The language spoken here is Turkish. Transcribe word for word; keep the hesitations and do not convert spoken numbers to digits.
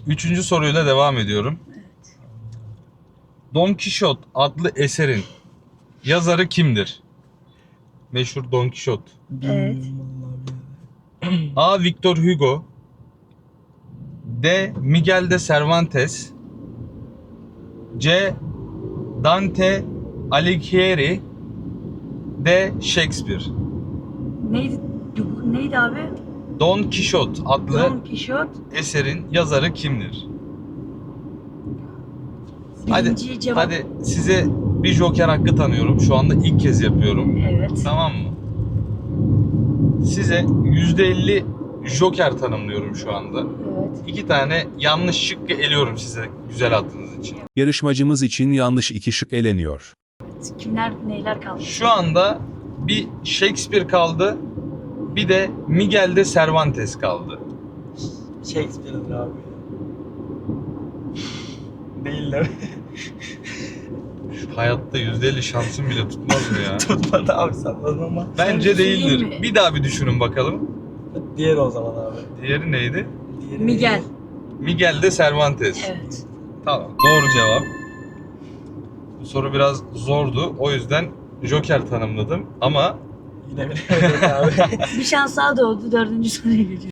Üçüncü soruyla devam ediyorum. Evet. Don Quixote adlı eserin yazarı kimdir? Meşhur Don Quixote. Evet. A. Victor Hugo, D. Miguel de Cervantes, C. Dante Alighieri, D. Shakespeare. Neydi? Neydi abi? Don Quixote adlı Don Quixote. eserin yazarı kimdir? Hadi, Birinci cevap. hadi size bir joker hakkı tanıyorum. Şu anda ilk kez yapıyorum. Evet. Tamam mı? Size yüzde elli joker tanımlıyorum şu anda. Evet. İki tane yanlış şıkkı eliyorum size güzel attığınız için. Yarışmacımız için yanlış iki şık eleniyor. Kimler neyler kaldı? Şu anda bir Shakespeare kaldı, bir de Miguel de Cervantes kaldı. Shakespeare'dir abi. Değil de. Şu hayatta yüzde elli şansım bile tutmaz mı ya? Tutmadı abi salladın ama. Bence Sen değil değildir. mi? Bir daha bir düşünün bakalım. Diğeri o zaman abi. Diğeri neydi? Diğeri Miguel. Miguel de Cervantes. Evet. Tamam, doğru cevap. Bu soru biraz zordu. O yüzden joker tanımladım ama Yine bilemedim abi. Bir şans daha doğdu. Dördüncü soruya geçiyoruz.